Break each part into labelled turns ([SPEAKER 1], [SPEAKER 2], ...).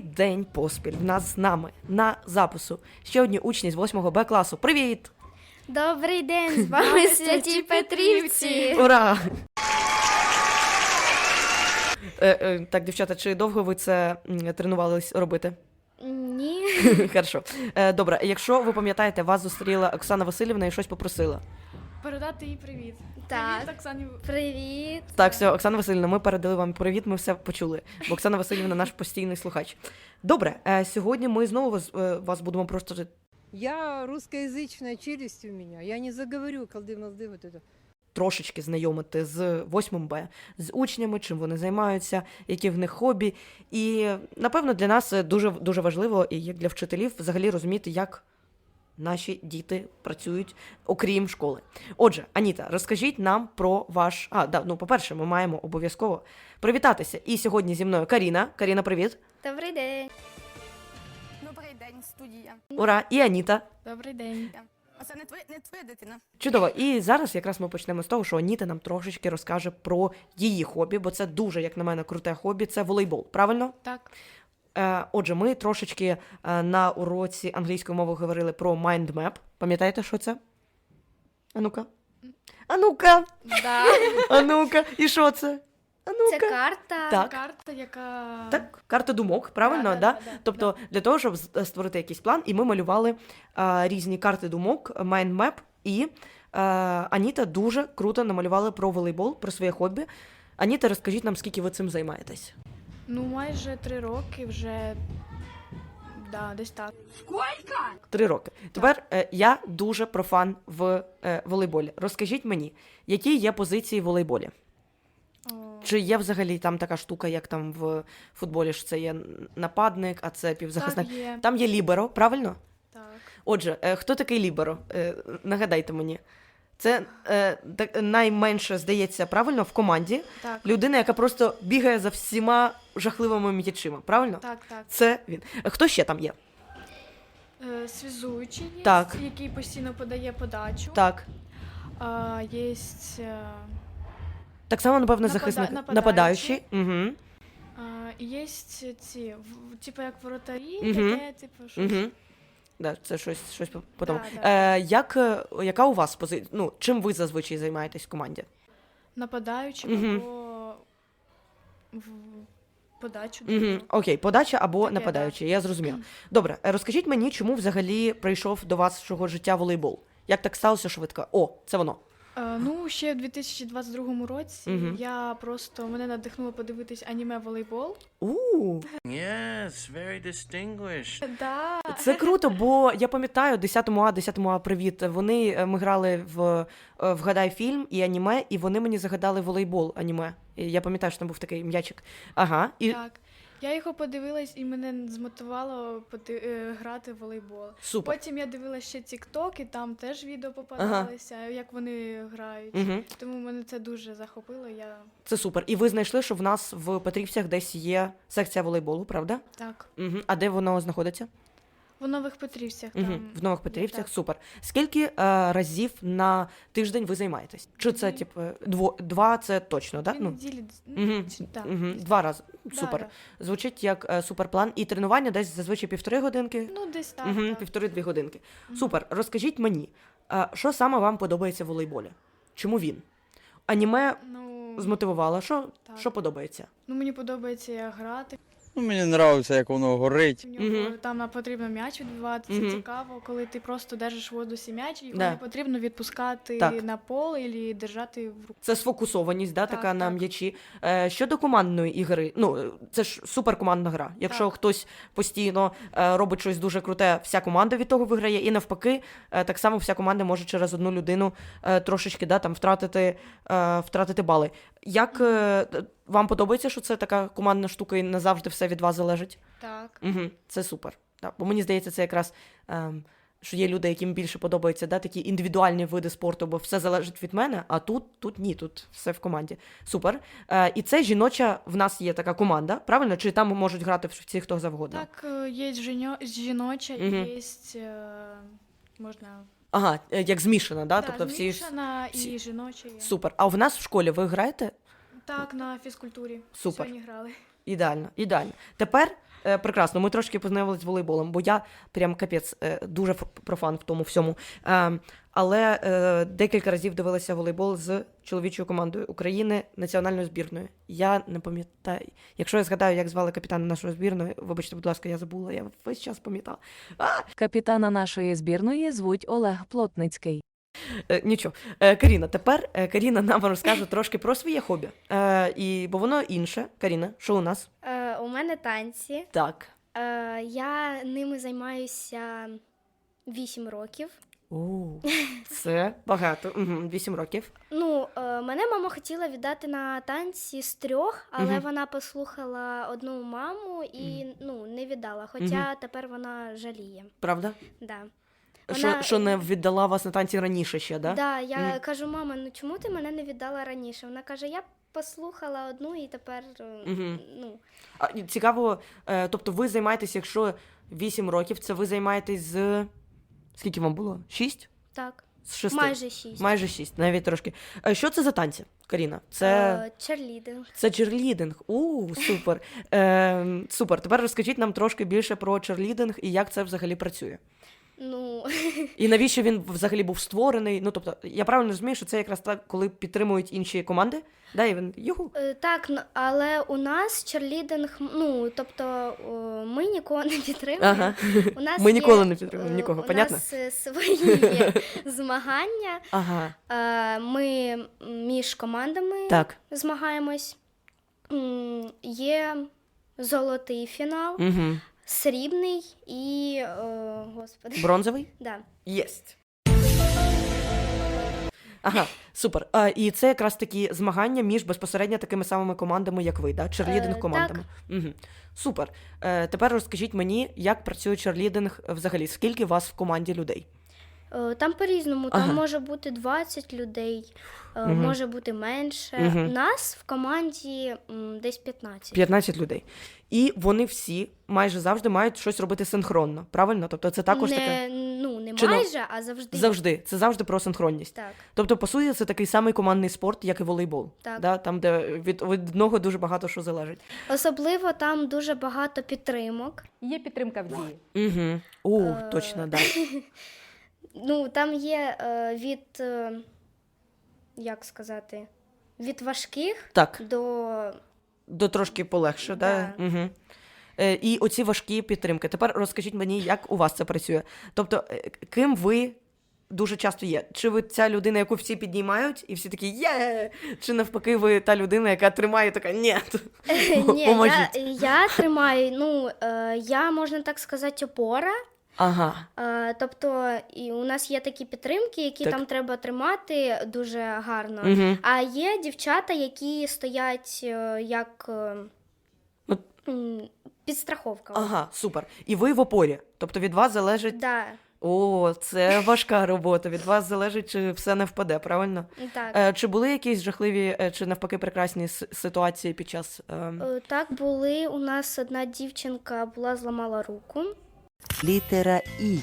[SPEAKER 1] день поспіль в нас з нами на запису ще одні учні з 8 Б класу. Привіт!
[SPEAKER 2] Добрий день, з вами Святі Петрівці.
[SPEAKER 1] Ура! Так, дівчата, чи довго ви це тренувались робити?
[SPEAKER 2] Ні.
[SPEAKER 1] Хорошо. Добре, якщо ви пам'ятаєте, вас зустріла Оксана Васильівна і щось попросила.
[SPEAKER 3] Передати їй привіт.
[SPEAKER 2] Так.
[SPEAKER 3] Привіт, Оксані.
[SPEAKER 2] Привіт.
[SPEAKER 1] Так, все, Оксана Васильівна, ми передали вам привіт, ми все почули. Бо Оксана Васильівна наш постійний слухач. Добре, сьогодні ми знову вас будемо просто...
[SPEAKER 4] Я русскоязычная, челюсть у меня. Я не заговорю колды-молды вот это.
[SPEAKER 1] Трошечки знайомити з 8 Б, з учнями, чим вони займаються, які в них хобі. І, напевно, для нас дуже важливо, і як для вчителів, взагалі розуміти, як наші діти працюють, окрім школи. Отже, Аніта, розкажіть нам про ваш... по-перше, ми маємо обов'язково привітатися. І сьогодні зі мною Каріна. Каріна, привіт.
[SPEAKER 2] Добрий день.
[SPEAKER 5] Добрий день, студія.
[SPEAKER 1] Ура. І Аніта.
[SPEAKER 3] Добрий день.
[SPEAKER 5] А це не твоя дитина?
[SPEAKER 1] Чудово. І зараз якраз ми почнемо з того, що Аніта нам трошечки розкаже про її хобі, бо це дуже, як на мене, круте хобі. Це волейбол, правильно?
[SPEAKER 3] Так.
[SPEAKER 1] Отже, ми трошечки на уроці англійської мови говорили про mind map. Пам'ятаєте, що це? А-ну-ка. А-ну-ка.
[SPEAKER 2] Да.
[SPEAKER 1] А-ну-ка. І що це?
[SPEAKER 2] Це
[SPEAKER 1] А-ну-ка.
[SPEAKER 2] карта.
[SPEAKER 1] Так.
[SPEAKER 3] Карта, яка...
[SPEAKER 1] Так, карта думок, правильно,
[SPEAKER 3] Да.
[SPEAKER 1] Тобто для того, щоб створити якийсь план, і ми малювали різні карти думок, mind map, і Аніта дуже круто намалювала про волейбол, про своє хобі. Аніта, розкажіть нам, скільки ви цим займаєтесь?
[SPEAKER 3] Ну, майже 3 роки вже... Да, десь так.
[SPEAKER 1] 3 роки. Тепер я дуже профан в волейболі. Розкажіть мені, які є позиції в волейболі?
[SPEAKER 3] О,
[SPEAKER 1] Чи є взагалі там така штука, як там в футболі, що це є нападник, а це півзахисник?
[SPEAKER 3] так є.
[SPEAKER 1] Там є ліберо, правильно?
[SPEAKER 3] Так.
[SPEAKER 1] Отже, хто такий ліберо? Нагадайте мені. Це найменше, здається, правильно, в команді.
[SPEAKER 3] Так.
[SPEAKER 1] Людина, яка просто бігає за всіма жахливими м'ячима, правильно?
[SPEAKER 3] Так.
[SPEAKER 1] Це він. Хто ще там є?
[SPEAKER 3] Связуючий є,
[SPEAKER 1] Так.
[SPEAKER 3] який постійно подає подачу.
[SPEAKER 1] Так.
[SPEAKER 3] Є...
[SPEAKER 1] Так само, напевно, захисник.
[SPEAKER 3] нападаючий.
[SPEAKER 1] Угу.
[SPEAKER 3] І є ці, типу як воротарі,
[SPEAKER 1] Мгм.
[SPEAKER 3] таке, типу, щось.
[SPEAKER 1] Угу. Да, це щось по тому.
[SPEAKER 3] Да.
[SPEAKER 1] Яка у вас позиція? Ну, чим ви зазвичай займаєтесь в команді?
[SPEAKER 3] Нападаючий
[SPEAKER 1] Мгм.
[SPEAKER 3] або в подачу.
[SPEAKER 1] Угу. Окей, подача або
[SPEAKER 3] Таке,
[SPEAKER 1] нападаючий, я зрозуміла. Добре, розкажіть мені, чому взагалі прийшов до вашого життя волейбол? Як так сталося швидко? О, це воно.
[SPEAKER 3] Ну, ще в 2022 році
[SPEAKER 1] Мгм.
[SPEAKER 3] мене надихнуло подивитись аніме волейбол.
[SPEAKER 6] Yes, very distinguished.
[SPEAKER 3] Да.
[SPEAKER 1] Це круто, бо я пам'ятаю 10 А, привіт. Ми грали в «Вгадай фільм» і аніме, і вони мені загадали волейбол аніме. І я пам'ятаю, що там був такий м'ячик. Ага. І
[SPEAKER 3] Так. Я його подивилась, і мене змотивувало грати в волейбол.
[SPEAKER 1] супер.
[SPEAKER 3] Потім я дивилася ще TikTok, і там теж відео попадалися, як вони грають.
[SPEAKER 1] Угу.
[SPEAKER 3] Тому мене це дуже захопило.
[SPEAKER 1] Це супер. І ви знайшли, що в нас в Петрівцях десь є секція волейболу, правда?
[SPEAKER 3] Так.
[SPEAKER 1] Угу. А де воно знаходиться?
[SPEAKER 3] В Нових Петрівцях
[SPEAKER 1] Угу.
[SPEAKER 3] там.
[SPEAKER 1] В Нових Петрівцях,
[SPEAKER 3] так.
[SPEAKER 1] супер. Скільки разів на тиждень ви займаєтесь? Чи це, типу, два це точно, так?
[SPEAKER 3] Дві неділі.
[SPEAKER 1] Угу.
[SPEAKER 3] Так.
[SPEAKER 1] Угу. 2 рази.
[SPEAKER 3] Да,
[SPEAKER 1] Супер.
[SPEAKER 3] да.
[SPEAKER 1] Звучить як суперплан. І тренування десь зазвичай 1,5 годинки.
[SPEAKER 3] Ну, десь так.
[SPEAKER 1] Угу.
[SPEAKER 3] так.
[SPEAKER 1] 1,5-2 годинки. Супер. Розкажіть мені, що саме вам подобається в волейболі? Чому він? Аніме
[SPEAKER 3] Ну,
[SPEAKER 1] змотивувало. Що
[SPEAKER 3] Так.
[SPEAKER 1] подобається?
[SPEAKER 3] мені подобається як грати.
[SPEAKER 7] Ну, мені подобається, як воно горить.
[SPEAKER 3] В нього
[SPEAKER 1] Мгм.
[SPEAKER 3] там потрібно м'яч відбивати. Це
[SPEAKER 1] Мгм.
[SPEAKER 3] цікаво, коли ти просто держиш в воздусі м'яч, і його
[SPEAKER 1] Да.
[SPEAKER 3] не потрібно відпускати
[SPEAKER 1] Так.
[SPEAKER 3] на поле або держати в руку.
[SPEAKER 1] Це сфокусованість, да,
[SPEAKER 3] Так,
[SPEAKER 1] така на
[SPEAKER 3] так.
[SPEAKER 1] м'ячі. Щодо командної ігри, ну, це ж суперкомандна гра. Якщо
[SPEAKER 3] Так.
[SPEAKER 1] хтось постійно робить щось дуже круте, вся команда від того виграє. І навпаки, так само вся команда може через одну людину трошечки там втратити бали. Як вам подобається, що це така командна штука і не завжди все від вас залежить?
[SPEAKER 3] Так.
[SPEAKER 1] Угу, це супер. Да. Бо мені здається, це якраз, що є люди, яким більше подобаються такі індивідуальні види спорту, бо все залежить від мене, а тут ні, тут все в команді. Супер. І це жіноча, в нас є така команда, правильно? Чи там можуть грати всі, хто завгодно?
[SPEAKER 3] Так, є жіноча,
[SPEAKER 1] Мгм.
[SPEAKER 3] є можна
[SPEAKER 1] Ага, як змішана, да?
[SPEAKER 3] да,
[SPEAKER 1] Тобто всі...
[SPEAKER 3] змішана
[SPEAKER 1] всі-
[SPEAKER 3] і жіноча є.
[SPEAKER 1] Супер. А в нас в школі ви граєте?
[SPEAKER 3] Так, на фізкультурі.
[SPEAKER 1] Супер.
[SPEAKER 3] Сьогодні грали.
[SPEAKER 1] Ідеально, ідеально. Тепер Прекрасно, ми трошки познайомилися з волейболом, бо я прям капець дуже профан в тому всьому. Але декілька разів дивилася волейбол з чоловічою командою України національною збірною. Я не пам'ятаю. Якщо я згадаю, як звали капітана нашої збірної, вибачте, будь ласка, я забула, я весь час пам'ятала.
[SPEAKER 8] Капітана нашої збірної звуть Олег Плотницький.
[SPEAKER 1] Нічого. Каріна, тепер Каріна нам розкаже трошки про своє хобі. Бо воно інше. Каріна, що у нас?
[SPEAKER 2] У мене танці.
[SPEAKER 1] Так.
[SPEAKER 2] Я ними займаюся 8 років.
[SPEAKER 1] Це багато. 8 років.
[SPEAKER 2] Ну, мене мама хотіла віддати на танці з 3, але вона послухала одну маму і не віддала. Хоча тепер вона жаліє.
[SPEAKER 1] Правда?
[SPEAKER 2] Да.
[SPEAKER 1] Що не віддала вас на танці раніше ще, да?
[SPEAKER 2] Да, я кажу, мама, ну чому ти мене не віддала раніше? Вона каже, я послухала одну і тепер,
[SPEAKER 1] Цікаво, тобто ви займаєтесь, якщо 8 років, це ви займаєтесь з... Скільки вам було? 6?
[SPEAKER 2] Так,
[SPEAKER 1] З 6?
[SPEAKER 2] майже 6.
[SPEAKER 1] Майже 6, навіть трошки. Що це за танці, Каріна? Це...
[SPEAKER 2] Черлідинг.
[SPEAKER 1] Це черлідинг. Супер. Супер. Тепер розкажіть нам трошки більше про черлідинг і як це взагалі працює.
[SPEAKER 2] Ну,
[SPEAKER 1] І навіщо він взагалі був створений? Ну, тобто, я правильно розумію, що це якраз так, коли підтримують інші команди? Да, і він юху.
[SPEAKER 2] так, але у нас черлідинг, тобто ми нікого не підтримуємо.
[SPEAKER 1] Ага.
[SPEAKER 2] У нас
[SPEAKER 1] Ми
[SPEAKER 2] є,
[SPEAKER 1] ніколи не підтримуємо нікого, понятно?
[SPEAKER 2] У нас свої є змагання.
[SPEAKER 1] Ага.
[SPEAKER 2] Ми між командами
[SPEAKER 1] Так.
[SPEAKER 2] змагаємось. Є золотий фінал,
[SPEAKER 1] Угу.
[SPEAKER 2] срібний і, господи.
[SPEAKER 1] Бронзовий?
[SPEAKER 2] Да.
[SPEAKER 1] Єсть. Ага, супер. І це якраз такі змагання між безпосередньо такими самими командами, як ви, да? Черлідинг командами. Угу. Супер. Тепер розкажіть мені, як працює черлідинг взагалі? Скільки вас в команді людей?
[SPEAKER 2] Там по-різному,
[SPEAKER 1] Ага.
[SPEAKER 2] там може бути 20 людей, може бути менше. Нас в команді десь 15.
[SPEAKER 1] 15 людей. І вони всі майже завжди мають щось робити синхронно, правильно? Тобто це також таке...
[SPEAKER 2] Не
[SPEAKER 1] Чи
[SPEAKER 2] майже, а завжди.
[SPEAKER 1] Завжди. Це завжди про синхронність.
[SPEAKER 2] Так.
[SPEAKER 1] Тобто, по суті, це такий самий командний спорт, як і волейбол.
[SPEAKER 2] Так.
[SPEAKER 1] Да? Там, де від одного дуже багато що залежить.
[SPEAKER 2] Особливо там дуже багато підтримок.
[SPEAKER 8] Є підтримка в дії.
[SPEAKER 1] Угу. Точно, так. Да.
[SPEAKER 2] Там є від, як сказати, від важких
[SPEAKER 1] Так.
[SPEAKER 2] до
[SPEAKER 1] Трошки полегше, да?
[SPEAKER 2] Да.
[SPEAKER 1] Угу. І оці важкі підтримки. Тепер розкажіть мені, як у вас це працює. Тобто, ким ви дуже часто є? Чи ви ця людина, яку всі піднімають, і всі такі «Є!» Чи навпаки ви та людина, яка тримає така «Ні!»
[SPEAKER 2] Ні,
[SPEAKER 1] Поможіть.
[SPEAKER 2] я тримаю, я, можна так сказати, опора.
[SPEAKER 1] Ага.
[SPEAKER 2] Тобто і у нас є такі підтримки, які
[SPEAKER 1] Так.
[SPEAKER 2] там треба тримати дуже гарно.
[SPEAKER 1] Угу.
[SPEAKER 2] А є дівчата, які стоять як
[SPEAKER 1] Ну,
[SPEAKER 2] підстраховка.
[SPEAKER 1] Ага, супер. І ви в опорі. Тобто від вас залежить...
[SPEAKER 2] Да,
[SPEAKER 1] О, це важка робота. Від вас залежить, чи все не впаде, правильно?
[SPEAKER 2] так.
[SPEAKER 1] Чи були якісь жахливі, чи навпаки прекрасні ситуації під час...
[SPEAKER 2] Так, були. У нас одна дівчинка зламала руку.
[SPEAKER 9] Літера І.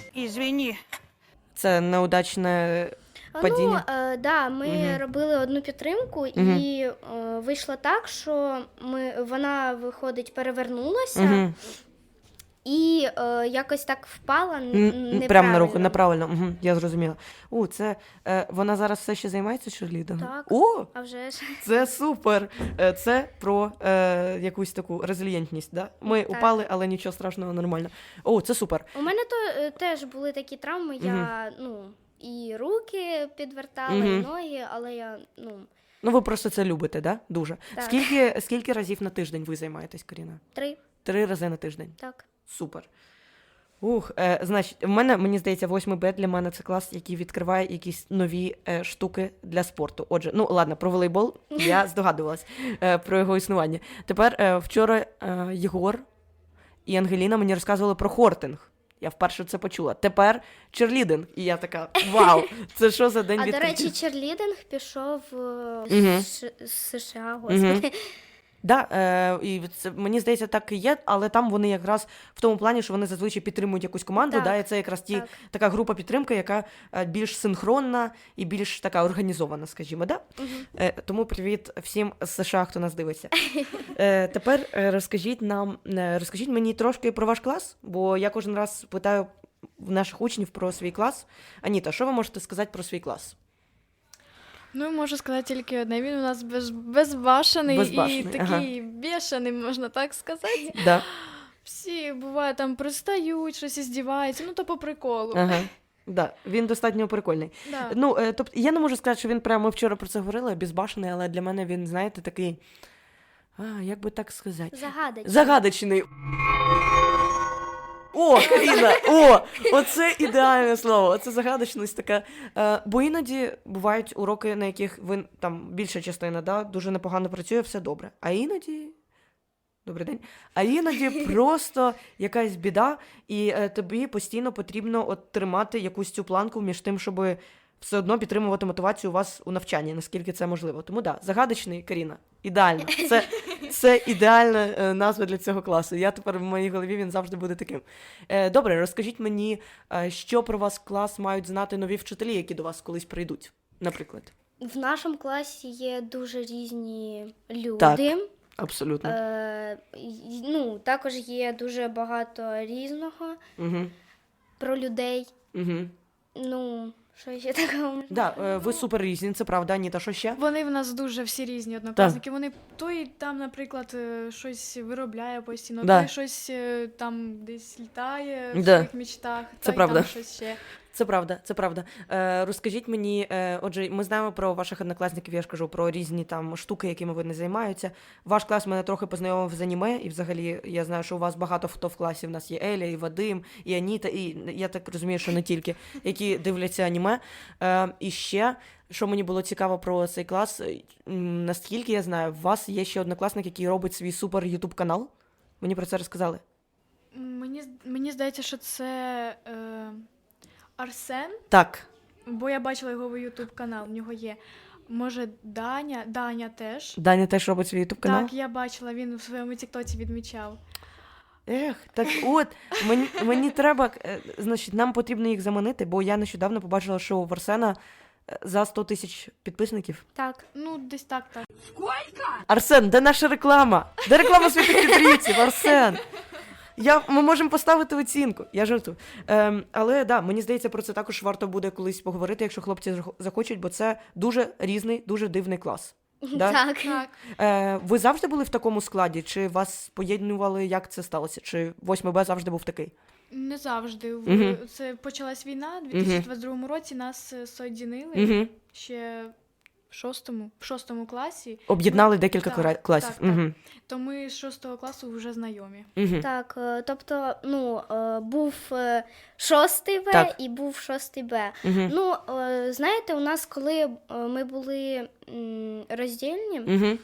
[SPEAKER 1] Це неудачне падіння?
[SPEAKER 2] Да, ми робили одну підтримку, і вийшло так, що вона, виходить, перевернулася і якось так впала неправильно.
[SPEAKER 1] Прямо на руку, неправильно. Угу, я зрозуміла. Це вона зараз все ще займається черлідингом?
[SPEAKER 2] Так.
[SPEAKER 1] О,
[SPEAKER 2] А вже ж.
[SPEAKER 1] це супер! Це про якусь таку резильєнтність, да? Ми
[SPEAKER 2] Так.
[SPEAKER 1] упали, але нічого страшного, нормально. О, це супер.
[SPEAKER 2] У мене теж були такі травми, я, і руки підвертала, і ноги, але я,
[SPEAKER 1] Ну, ви просто це любите, да? Дуже.
[SPEAKER 2] Так.
[SPEAKER 1] Скільки разів на тиждень ви займаєтесь, Каріна?
[SPEAKER 2] 3,
[SPEAKER 1] 3 рази на тиждень.
[SPEAKER 2] так.
[SPEAKER 1] Супер. Значить, мені здається, 8 Б для мене це клас, який відкриває якісь нові штуки для спорту. Отже, ладно, про волейбол я здогадувалась про його існування. Тепер вчора Єгор і Ангеліна мені розказували про хортинг. Я вперше це почула. Тепер черлідинг. І я така, вау, це що за день
[SPEAKER 2] А, до
[SPEAKER 1] відкриттів?
[SPEAKER 2] речі, черлідинг пішов з США, господи.
[SPEAKER 1] Да, і це, мені здається, так і є, але там вони якраз в тому плані, що вони зазвичай підтримують якусь команду,
[SPEAKER 2] Так,
[SPEAKER 1] да, і це якраз
[SPEAKER 2] так.
[SPEAKER 1] така група підтримки, яка більш синхронна і більш така організована, скажімо, да? Тому привіт всім з США, хто нас дивиться. Тепер розкажіть мені трошки про ваш клас, бо я кожен раз питаю в наших учнів про свій клас. Аніта, що ви можете сказати про свій клас?
[SPEAKER 3] Ну, можу сказати тільки одне. Він у нас безбашений
[SPEAKER 1] Безбашений,
[SPEAKER 3] і такий бешений, можна так сказати.
[SPEAKER 1] Да.
[SPEAKER 3] Всі, буває, там пристають, щось іздіваються, ну то по приколу.
[SPEAKER 1] Ага. Да, він достатньо прикольний.
[SPEAKER 3] Да.
[SPEAKER 1] Ну, тобто, я не можу сказати, що він прямо, ми вчора про це говорили, безбашений, але для мене він, знаєте, такий, як би так сказати, загадочний. О, Каріна, оце ідеальне слово, оце загадочність така. Бо іноді бувають уроки, на яких ви, там, більша частина, да, дуже непогано працює, все добре. А іноді... Добрий день. А іноді просто якась біда, і тобі постійно потрібно от тримати якусь цю планку між тим, щоб все одно підтримувати мотивацію у вас у навчанні, наскільки це можливо. Тому да, загадочний, Каріна, ідеально. Це ідеальна назва для цього класу. Я тепер в моїй голові він завжди буде таким. Добре, розкажіть мені, що про вас клас мають знати нові вчителі, які до вас колись прийдуть, наприклад.
[SPEAKER 2] В нашому класі є дуже різні люди.
[SPEAKER 1] Так. Абсолютно.
[SPEAKER 2] Ну, також є дуже багато різного про людей. Ну, що ще такого?
[SPEAKER 1] Да, ви супер різні, це правда, Аніта, що ще?
[SPEAKER 3] Вони в нас дуже всі різні однокласники. Вони той там, наприклад, щось виробляє постійно,
[SPEAKER 1] Да.
[SPEAKER 3] той щось там десь літає в
[SPEAKER 1] Да.
[SPEAKER 3] своїх мечтах,
[SPEAKER 1] Це
[SPEAKER 3] той
[SPEAKER 1] правда.
[SPEAKER 3] там щось ще.
[SPEAKER 1] Це правда. Розкажіть мені, отже, ми знаємо про ваших однокласників, я ж кажу, про різні там штуки, якими вони займаються. Ваш клас мене трохи познайомив з аніме, і взагалі я знаю, що у вас багато хто в класі. У нас є Еля, і Вадим, і Аніта, і я так розумію, що не тільки, які дивляться аніме. І ще, що мені було цікаво про цей клас, наскільки я знаю, у вас є ще однокласник, який робить свій супер ютуб канал. Мені про це розказали.
[SPEAKER 3] Мені здається, що це Арсен,
[SPEAKER 1] Так.
[SPEAKER 3] бо я бачила його ютуб канал, в нього є. Може, Даня теж.
[SPEAKER 1] Даня теж робить свій ютуб канал?
[SPEAKER 3] Так, я бачила, він у своєму тіктоці відмічав.
[SPEAKER 1] Так от, мені треба, значить, нам потрібно їх заманити, бо я нещодавно побачила, що у Арсена за 100 тисяч підписників.
[SPEAKER 2] Так.
[SPEAKER 3] Ну, десь так.
[SPEAKER 1] Арсен, де наша реклама? Де реклама святих петрівців, Арсен? Ми можемо поставити оцінку, я жартую. Але да, мені здається, про це також варто буде колись поговорити, якщо хлопці захочуть, бо це дуже різний, дуже дивний клас. Да?
[SPEAKER 2] Так.
[SPEAKER 1] Ви завжди були в такому складі? Чи вас поєднували, як це сталося? Чи 8Б завжди був такий?
[SPEAKER 3] Не завжди. Це почалась війна, у 2022 році нас соєдинили ще в шостому класі.
[SPEAKER 1] Об'єднали декілька класів.
[SPEAKER 3] Так. То ми з 6 класу вже знайомі.
[SPEAKER 2] Так, тобто, був 6 В
[SPEAKER 1] Так.
[SPEAKER 2] і був 6 Б. Ну, знаєте, у нас, коли ми були роздільні,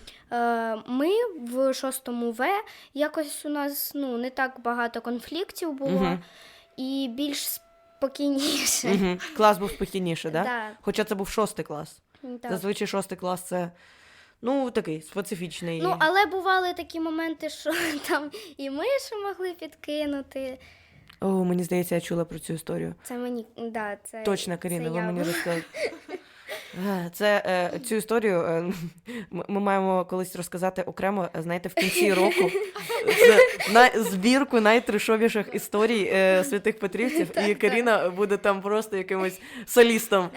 [SPEAKER 2] ми в 6 В, якось у нас не так багато конфліктів було і більш спокійніше.
[SPEAKER 1] Клас був спокійніше, да?
[SPEAKER 2] Да.
[SPEAKER 1] Хоча це був 6 клас.
[SPEAKER 2] Так.
[SPEAKER 1] Зазвичай 6 клас це, такий специфічний.
[SPEAKER 2] Ну, але бували такі моменти, що там і миші могли підкинути.
[SPEAKER 1] О, мені здається, я чула про цю історію.
[SPEAKER 2] Це мені, це
[SPEAKER 1] Точно, Каріна,
[SPEAKER 2] це
[SPEAKER 1] ви
[SPEAKER 2] я
[SPEAKER 1] мені
[SPEAKER 2] була.
[SPEAKER 1] розказали. Цю історію ми маємо колись розказати окремо, знаєте, в кінці року. Це збірку найтрешовіших історій святих петрівців, і Каріна буде там просто якимось солістом.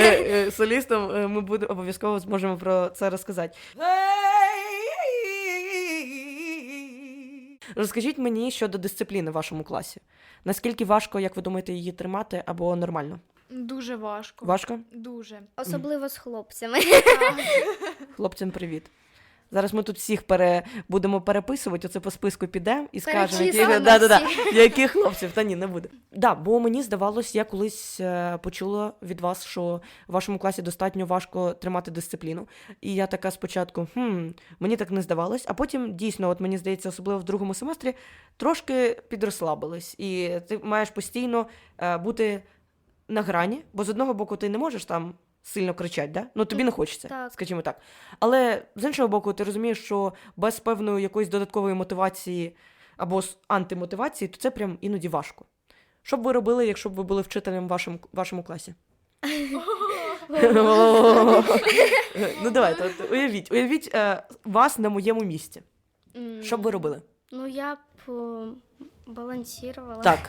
[SPEAKER 1] Ми обов'язково зможемо про це розказати. Розкажіть мені щодо дисципліни в вашому класі. Наскільки важко, як ви думаєте, її тримати або нормально?
[SPEAKER 3] Дуже важко.
[SPEAKER 1] Важко?
[SPEAKER 3] Дуже.
[SPEAKER 2] Особливо з хлопцями.
[SPEAKER 1] Хлопцям привіт. Зараз ми тут всіх будемо переписувати, оце по списку підемо і скажемо,
[SPEAKER 2] Перечислимо
[SPEAKER 1] яких хлопців. Та ні, не буде. Да, бо мені здавалось, я колись почула від вас, що в вашому класі достатньо важко тримати дисципліну. І я така спочатку, мені так не здавалось, а потім дійсно, от мені здається, особливо в другому семестрі, трошки підрослабилась. І ти маєш постійно бути на грані, бо з одного боку ти не можеш там сильно кричать, да? Ну, тобі не хочеться,
[SPEAKER 2] Так.
[SPEAKER 1] скажімо так. Але з іншого боку, ти розумієш, що без певної якоїсь додаткової мотивації або антимотивації, то це прям іноді важко. Що б ви робили, якщо б ви були вчителем в вашому класі? Ну, давайте, от уявіть вас на моєму місці. Що б ви робили?
[SPEAKER 2] Ну, я б балансувала.
[SPEAKER 1] Так.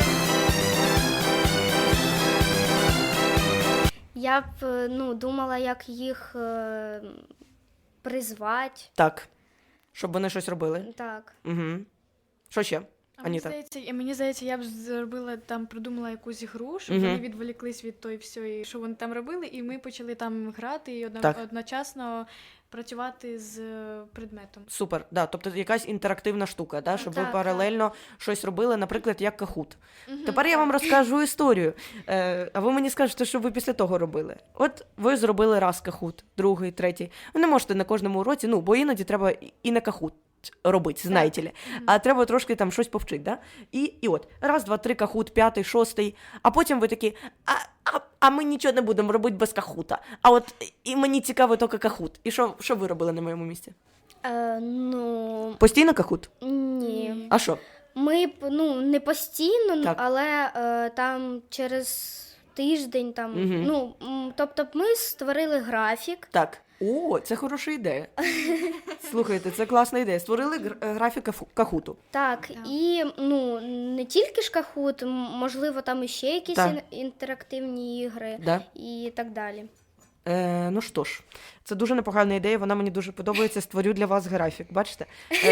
[SPEAKER 2] Я б думала, як їх призвати.
[SPEAKER 1] Так. Щоб вони щось робили.
[SPEAKER 2] Так.
[SPEAKER 1] Угу. Що ще?
[SPEAKER 3] А мені
[SPEAKER 1] Аніта.
[SPEAKER 3] здається, я б зробила там, придумала якусь гру, щоб вони відволіклись від той всього, що вони там робили, і ми почали там грати і
[SPEAKER 1] Так.
[SPEAKER 3] одночасно працювати з предметом.
[SPEAKER 1] Супер, да, тобто якась інтерактивна штука, да, щоб ви
[SPEAKER 2] Так,
[SPEAKER 1] паралельно щось робили, наприклад, як Kahoot. Тепер я вам розкажу історію, а ви мені скажете, що ви після того робили. От ви зробили раз Kahoot, другий, третій. Ви не можете на кожному уроці, бо іноді треба і на Kahoot робити, знаєте ли. А треба трошки там щось повчити, да? І от, раз, два, три, Kahoot, п'ятий, шостий, а потім ви такі, а ми нічого не будемо робити без Кахута. А от і мені цікаво тільки Kahoot. І що ви робили на моєму місці? Постійно Kahoot?
[SPEAKER 2] Ні.
[SPEAKER 1] А що?
[SPEAKER 2] Ми б, не постійно,
[SPEAKER 1] Так.
[SPEAKER 2] але там через тиждень, тобто ми створили графік.
[SPEAKER 1] Так. О, це хороша ідея. Слухайте, це класна ідея. Створили графік Кахуту.
[SPEAKER 2] Так, і не тільки ж Kahoot, можливо, там іще якісь
[SPEAKER 1] Так.
[SPEAKER 2] інтерактивні ігри
[SPEAKER 1] Да?
[SPEAKER 2] і так далі.
[SPEAKER 1] Ну що ж, це дуже непогана ідея, вона мені дуже подобається. Створю для вас графік. Бачите?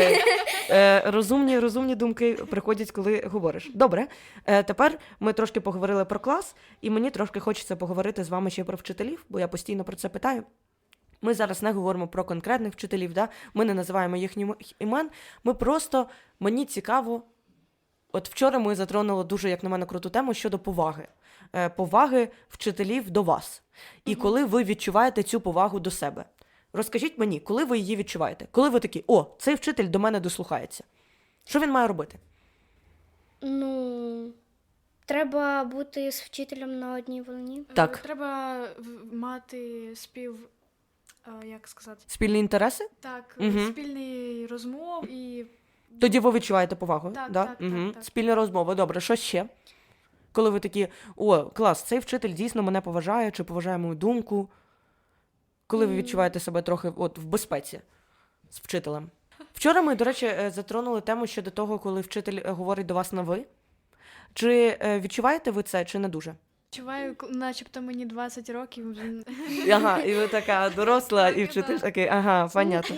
[SPEAKER 1] Розумні думки приходять, коли говориш. Добре, тепер ми трошки поговорили про клас, і мені трошки хочеться поговорити з вами ще про вчителів, бо я постійно про це питаю. Ми зараз не говоримо про конкретних вчителів, да? Ми не називаємо їхніх імен, ми просто, мені цікаво, от вчора ми затронули дуже, як на мене, круту тему щодо поваги. Поваги вчителів до вас. І коли ви відчуваєте цю повагу до себе. Розкажіть мені, коли ви її відчуваєте? Коли ви такі, цей вчитель до мене дослухається. Що він має робити?
[SPEAKER 2] Треба бути з вчителем на одній волні.
[SPEAKER 1] Так.
[SPEAKER 3] Треба мати як сказати?
[SPEAKER 1] Спільні інтереси?
[SPEAKER 3] Так,
[SPEAKER 1] Мгм.
[SPEAKER 3] спільний розмов і
[SPEAKER 1] Тоді ви відчуваєте повагу?
[SPEAKER 3] Так,
[SPEAKER 1] да?
[SPEAKER 3] так,
[SPEAKER 1] Угу.
[SPEAKER 3] так.
[SPEAKER 1] Спільна розмова. Добре, що ще? Коли ви такі, клас, цей вчитель дійсно мене поважає, чи поважає мою думку. Коли ви відчуваєте себе трохи в безпеці з вчителем. Вчора ми, до речі, затронули тему щодо того, коли вчитель говорить до вас на «ви». Чи відчуваєте ви це, чи не дуже?
[SPEAKER 3] відчуваю, начебто мені 20 років.
[SPEAKER 1] Ага, і ви така доросла, і вчитель
[SPEAKER 3] так.
[SPEAKER 1] такий, ага, понятно.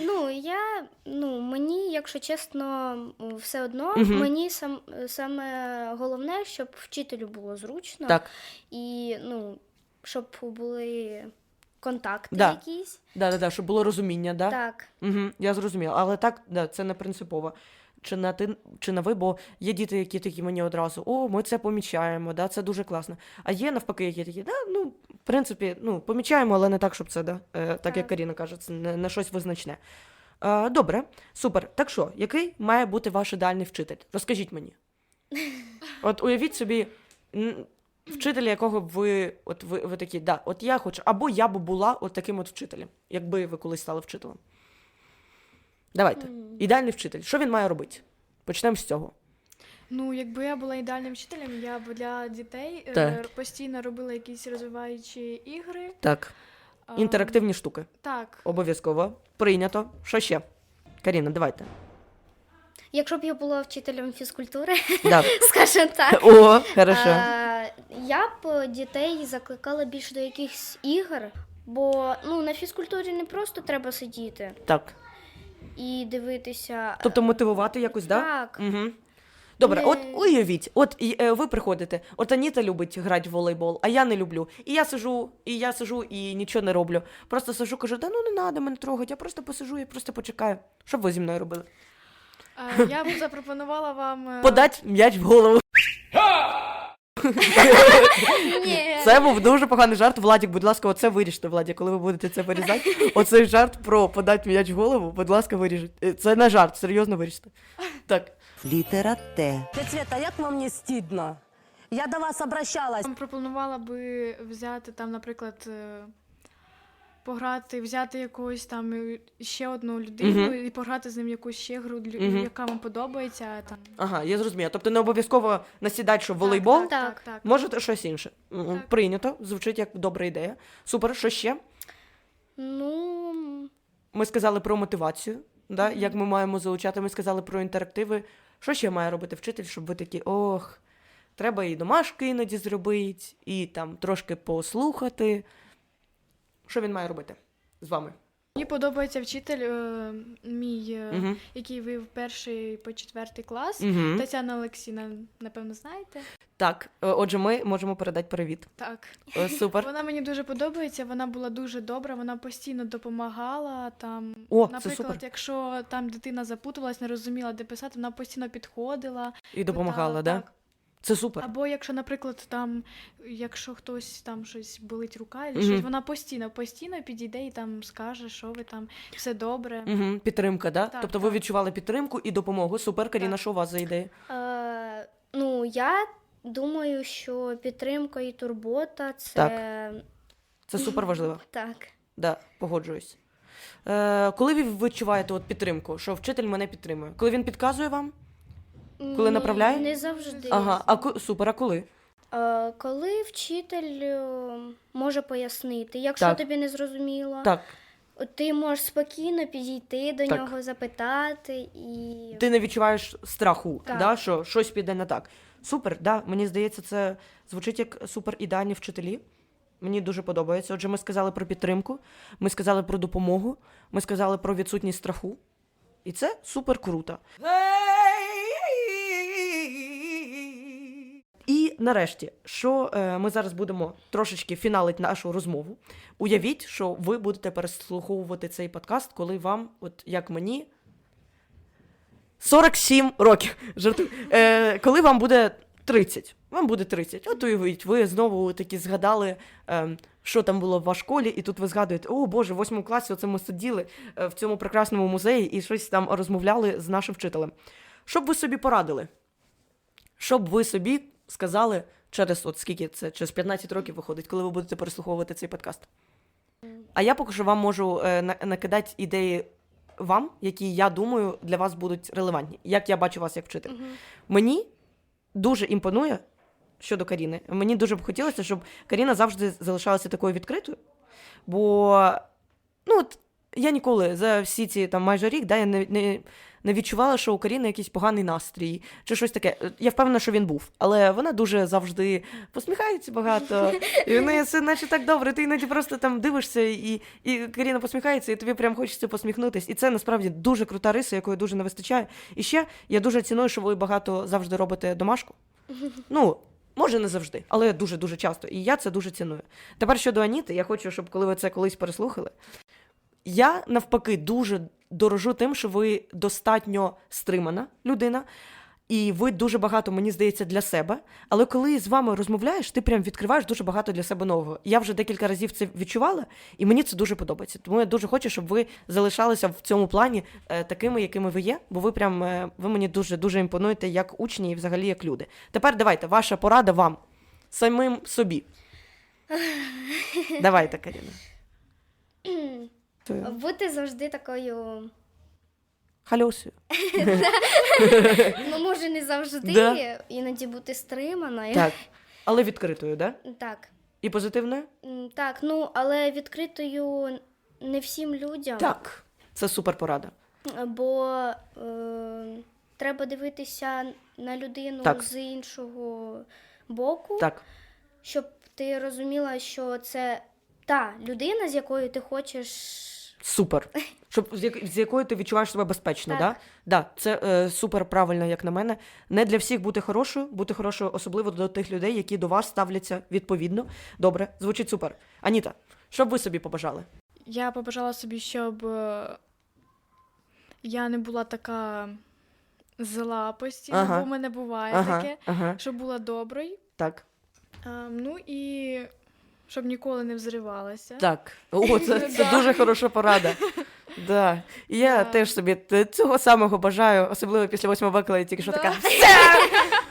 [SPEAKER 2] Мені, якщо чесно, все одно,
[SPEAKER 1] Мгм.
[SPEAKER 2] мені саме головне, щоб вчителю було зручно.
[SPEAKER 1] Так,
[SPEAKER 2] І, щоб були контакти
[SPEAKER 1] Да.
[SPEAKER 2] якісь.
[SPEAKER 1] да, щоб було розуміння, да?
[SPEAKER 2] Так.
[SPEAKER 1] Угу, я зрозуміла. Але так, да, це не принципово. Чи на ти, чи на ви, бо є діти, які такі мені одразу, ми це помічаємо, да, це дуже класно. А є навпаки, які такі, в принципі, помічаємо, але не так, щоб це, да, так як Каріна каже, це не щось визначне. Добре, супер. Так що, який має бути ваш ідеальний вчитель? Розкажіть мені. От уявіть собі, вчителя, якого б ви такі, от я хочу, або я б була от таким от вчителем, якби ви колись стали вчителем. Давайте. Ідеальний вчитель. Що він має робити? Почнемо з цього.
[SPEAKER 3] Якби я була ідеальним вчителем, я б для дітей
[SPEAKER 1] Так.
[SPEAKER 3] постійно робила якісь розвиваючі ігри.
[SPEAKER 1] Так. Інтерактивні штуки.
[SPEAKER 3] Так.
[SPEAKER 1] Обов'язково. Прийнято. Що ще? Каріна, давайте.
[SPEAKER 2] Якщо б я була вчителем фізкультури,
[SPEAKER 1] Да.
[SPEAKER 2] скажімо так,
[SPEAKER 1] О, хорошо.
[SPEAKER 2] я б дітей закликала більше до якихось ігор, бо на фізкультурі не просто треба сидіти
[SPEAKER 1] Так.
[SPEAKER 2] і дивитися.
[SPEAKER 1] Тобто мотивувати якось, да?
[SPEAKER 2] Так.
[SPEAKER 1] Угу. Добре,
[SPEAKER 2] Не-
[SPEAKER 1] от уявіть, ви приходите, от Аніта любить грати в волейбол, а я не люблю. І я сижу і нічого не роблю. Просто сижу, кажу, не треба мене трогати, я просто посижу, я просто почекаю. Що б ви зі мною робили?
[SPEAKER 3] Я б запропонувала вам
[SPEAKER 1] Подать м'яч в голову.
[SPEAKER 2] Ні.
[SPEAKER 1] Це був дуже поганий жарт. Владік, будь ласка, оце виріжте, Владік, коли ви будете це вирізати. Оцей жарт про подать м'яч в голову, будь ласка, виріжіть. Це не жарт, серйозно виріжте. Так.
[SPEAKER 9] Літера Т.
[SPEAKER 10] Света, як вам не стидно?
[SPEAKER 5] Я до вас обращалась.
[SPEAKER 3] Там пропонувала би взяти там, наприклад, пограти, взяти якогось там ще одну людину і пограти з ним якусь ще гру, яка вам подобається. Там.
[SPEAKER 1] Ага, я зрозуміла. Тобто не обов'язково насідати, що волейбол,
[SPEAKER 3] Так.
[SPEAKER 1] можете щось інше. Прийнято, звучить як добра ідея. Супер, що ще?
[SPEAKER 2] Ну,
[SPEAKER 1] Ми сказали про мотивацію, да? Як ми маємо залучати, ми сказали про інтерактиви. Що ще має робити вчитель, щоб ви такі, треба і домашки іноді зробити, і там трошки послухати. Що він має робити з вами?
[SPEAKER 3] Мені подобається вчитель мій, який вів 1 по 4 клас. Тетяна Олексійна, напевно, знаєте?
[SPEAKER 1] Так, отже, ми можемо передати привіт.
[SPEAKER 3] Так.
[SPEAKER 1] Супер.
[SPEAKER 3] Вона мені дуже подобається, вона була дуже добра, вона постійно допомагала. Там,
[SPEAKER 1] Це
[SPEAKER 3] наприклад,
[SPEAKER 1] супер.
[SPEAKER 3] якщо там дитина запутувалась, не розуміла, де писати, вона постійно підходила.
[SPEAKER 1] І допомагала,
[SPEAKER 3] питала,
[SPEAKER 1] да?
[SPEAKER 3] так.
[SPEAKER 1] Це супер.
[SPEAKER 3] Або якщо, наприклад, там, якщо хтось там щось болить рука, або щось, вона постійно підійде і там скаже, що ви там, все добре.
[SPEAKER 1] Підтримка, да?
[SPEAKER 3] Так,
[SPEAKER 1] Тобто ви
[SPEAKER 3] так.
[SPEAKER 1] відчували підтримку і допомогу. Супер, Каріна,
[SPEAKER 3] Так.
[SPEAKER 1] що у вас за ідея?
[SPEAKER 2] ну, я думаю, що підтримка і турбота це.
[SPEAKER 1] Це супер важливо.
[SPEAKER 2] Так.
[SPEAKER 1] Да, погоджуюсь. Коли ви відчуваєте підтримку, що вчитель мене підтримує? Коли він підказує вам? Коли направляє?
[SPEAKER 2] Не завжди.
[SPEAKER 1] Ага, супер, а коли?
[SPEAKER 2] Коли вчитель може пояснити, якщо
[SPEAKER 1] Так.
[SPEAKER 2] тобі не зрозуміло,
[SPEAKER 1] Так,
[SPEAKER 2] ти можеш спокійно підійти до
[SPEAKER 1] Так.
[SPEAKER 2] нього, запитати і.
[SPEAKER 1] ти не відчуваєш страху,
[SPEAKER 2] Так.
[SPEAKER 1] да, що щось піде не так. Супер, да, мені здається, це звучить як супер ідеальні вчителі. Мені дуже подобається. Отже, ми сказали про підтримку, ми сказали про допомогу, ми сказали про відсутність страху. І це супер круто. І нарешті, що ми зараз будемо трошечки фіналити нашу розмову. Уявіть, що ви будете переслуховувати цей подкаст, коли вам, от як мені, 47 років. Жартую. Коли вам буде 30. Вам буде 30. От уявіть, ви знову таки згадали, що там було в вашій школі, і тут ви згадуєте, о Боже, в 8 класі оце ми сиділи в цьому прекрасному музеї і щось там розмовляли з нашим вчителем. Що б ви собі порадили? Що б ви собі сказали через, скільки це, через 15 років виходить, коли ви будете переслуховувати цей подкаст? А я поки що вам можу накидати ідеї вам, які, я думаю, для вас будуть релевантні. Як я бачу вас як вчитель. Мені дуже імпонує щодо Каріни. Мені дуже б хотілося, щоб Каріна завжди залишалася такою відкритою. Бо, я ніколи за всі ці там майже рік, я не відчувала, що у Каріни якийсь поганий настрій чи щось таке. Я впевнена, що він був. Але вона дуже завжди посміхається багато. І в неї все наче так добре. Ти іноді просто там дивишся, і Каріна посміхається, і тобі прям хочеться посміхнутись. І це насправді дуже крута риса, якої дуже не вистачає. І ще я дуже ціную, що ви багато завжди робите домашку. Може, не завжди, але дуже-дуже часто. І я це дуже ціную. Тепер щодо Аніти, я хочу, щоб коли ви це колись переслухали, я, навпаки, дуже дорожу тим, що ви достатньо стримана людина, і ви дуже багато, мені здається, для себе. Але коли з вами розмовляєш, ти прям відкриваєш дуже багато для себе нового. Я вже декілька разів це відчувала, і мені це дуже подобається. Тому я дуже хочу, щоб ви залишалися в цьому плані такими, якими ви є, бо ви мені дуже-дуже імпонуєте як учні і взагалі як люди. Тепер давайте, ваша порада вам, самим собі. Давайте, Каріна.
[SPEAKER 2] Бути завжди такою.
[SPEAKER 1] Хальосію.
[SPEAKER 2] Може, не завжди,
[SPEAKER 1] Да.
[SPEAKER 2] іноді бути стриманою.
[SPEAKER 1] Так, але відкритою, да?
[SPEAKER 2] Так.
[SPEAKER 1] І позитивною?
[SPEAKER 2] Так, але відкритою не всім людям.
[SPEAKER 1] Так, це супер порада.
[SPEAKER 2] Бо треба дивитися на людину
[SPEAKER 1] Так.
[SPEAKER 2] з іншого боку,
[SPEAKER 1] Так,
[SPEAKER 2] щоб ти розуміла, що це та людина, з якою ти хочеш.
[SPEAKER 1] супер. З якою ти відчуваєш себе безпечно,
[SPEAKER 2] Так.
[SPEAKER 1] Да, це супер правильно, як на мене. Не для всіх бути хорошою, особливо до тих людей, які до вас ставляться відповідно. Добре, звучить супер. Аніта, що б ви собі побажали?
[SPEAKER 3] Я побажала собі, щоб я не була така зла постійно,
[SPEAKER 1] Ага.
[SPEAKER 3] бо в мене буває таке, щоб була доброю.
[SPEAKER 1] Так.
[SPEAKER 3] І щоб ніколи не взривалася.
[SPEAKER 1] Так. Це дуже хороша порада. Да. І я
[SPEAKER 3] Да.
[SPEAKER 1] теж собі цього самого бажаю, особливо після 8 Б, коли я тільки що така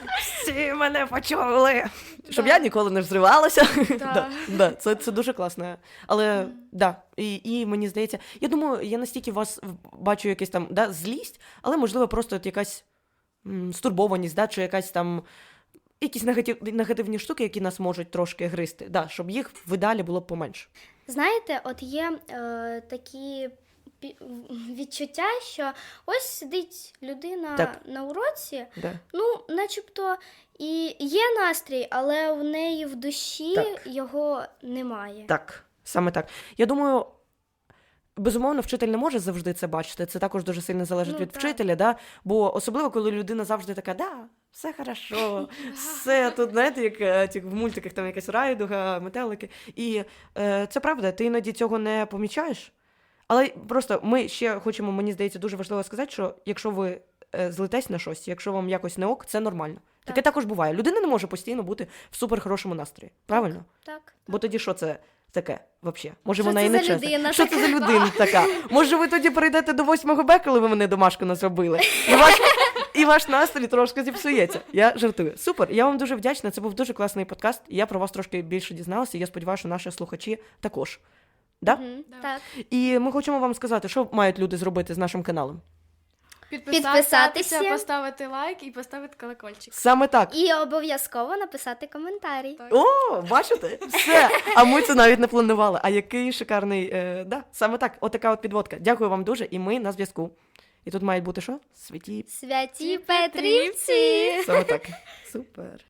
[SPEAKER 1] всі мене почули. Щоб я ніколи не взривалася.
[SPEAKER 3] Так.
[SPEAKER 1] Да, це дуже класно. Але да, і мені здається, я думаю, я настільки вас бачу якась там злість, але можливо просто от якась стурбованість, чи якась там якісь негативні штуки, які нас можуть трошки гризти, щоб їх в ідеалі було б поменше.
[SPEAKER 2] Знаєте, от є такі відчуття, що ось сидить людина
[SPEAKER 1] Так.
[SPEAKER 2] на уроці,
[SPEAKER 1] Да.
[SPEAKER 2] ну, начебто і є настрій, але в неї в душі
[SPEAKER 1] Так.
[SPEAKER 2] його немає.
[SPEAKER 1] Так, саме так. Я думаю, безумовно, вчитель не може завжди це бачити. Це також дуже сильно залежить
[SPEAKER 2] Ну,
[SPEAKER 1] від
[SPEAKER 2] так.
[SPEAKER 1] вчителя, бо особливо, коли людина завжди така, все хорошо, все тут, знаєте, як в мультиках там якась райдуга, метелики. І це правда, ти іноді цього не помічаєш. Але просто ми ще хочемо, мені здається, дуже важливо сказати, що якщо ви злитесь на щось, якщо вам якось не ок, це нормально. Таке
[SPEAKER 2] Так.
[SPEAKER 1] також буває. Людина не може постійно бути в суперхорошому настрої. Правильно?
[SPEAKER 2] Так.
[SPEAKER 1] Бо тоді що це таке взагалі? Може,
[SPEAKER 2] Що
[SPEAKER 1] вона
[SPEAKER 2] це
[SPEAKER 1] і не
[SPEAKER 2] за
[SPEAKER 1] чесна.
[SPEAKER 2] людина
[SPEAKER 1] Що це за людина така? Може, ви тоді прийдете до 8 Б, коли ви мене домашку не зробили, і ваш настрій трошки зіпсується. Я жартую. Супер, я вам дуже вдячна. Це був дуже класний подкаст. Я про вас трошки більше дізналася. І я сподіваюся, що наші слухачі також. Да?
[SPEAKER 2] Мгм,
[SPEAKER 3] Да.
[SPEAKER 2] так.
[SPEAKER 1] І ми хочемо вам сказати, що мають люди зробити з нашим каналом.
[SPEAKER 2] Підписатися.
[SPEAKER 3] Поставити лайк і поставити колокольчик.
[SPEAKER 1] Саме так.
[SPEAKER 2] І обов'язково написати коментарі.
[SPEAKER 3] Так.
[SPEAKER 1] О, бачите? Все. А ми це навіть не планували. А який шикарний. Саме так. Отака от підводка. Дякую вам дуже, і ми на зв'язку. І тут мають бути що?
[SPEAKER 2] Святі Петрівці!
[SPEAKER 1] Саме так. Супер.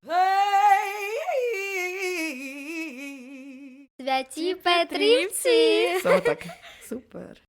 [SPEAKER 2] Святі Петрівці!
[SPEAKER 1] Саме так. Супер.